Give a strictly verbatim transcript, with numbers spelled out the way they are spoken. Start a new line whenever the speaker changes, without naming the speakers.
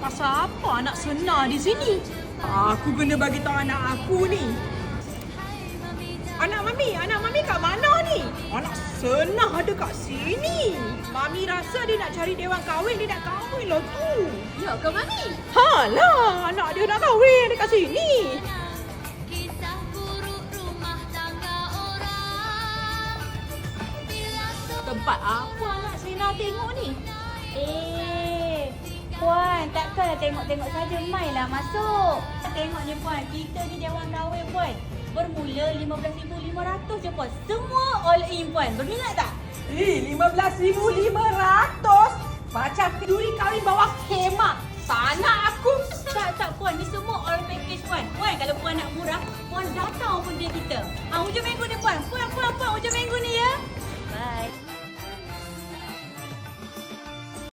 pasal apa anak senar di sini? Aku kena bagi tahu anak aku ni. Anak Mami, anak Mami kat mana ni? Anak senah ada kat sini. Mami rasa dia nak cari dewan kahwin, dia nak kahwin lah tu.
Ya ke Mami?
Halah, anak dia nak kahwin dekat sini. Tempat apa anak Sina tengok ni?
Eh, Puan, takkanlah tengok-tengok saja. Mainlah masuk. Tengok ni Puan, kita ni dewan kahwin Puan. Bermula lima belas ribu lima ratus je Puan. Semua all in Puan. Berminat tak?
Eh, lima belas ribu lima ratus? Macam duri kahwin bawah khemah. Sana aku.
Tak, tak Puan. Ni semua all package Puan. Puan, kalau Puan nak murah, Puan datang pun dia kita. Ah, hujung minggu ni Puan. Puan, Puan, Puan. Hujung minggu ni ya.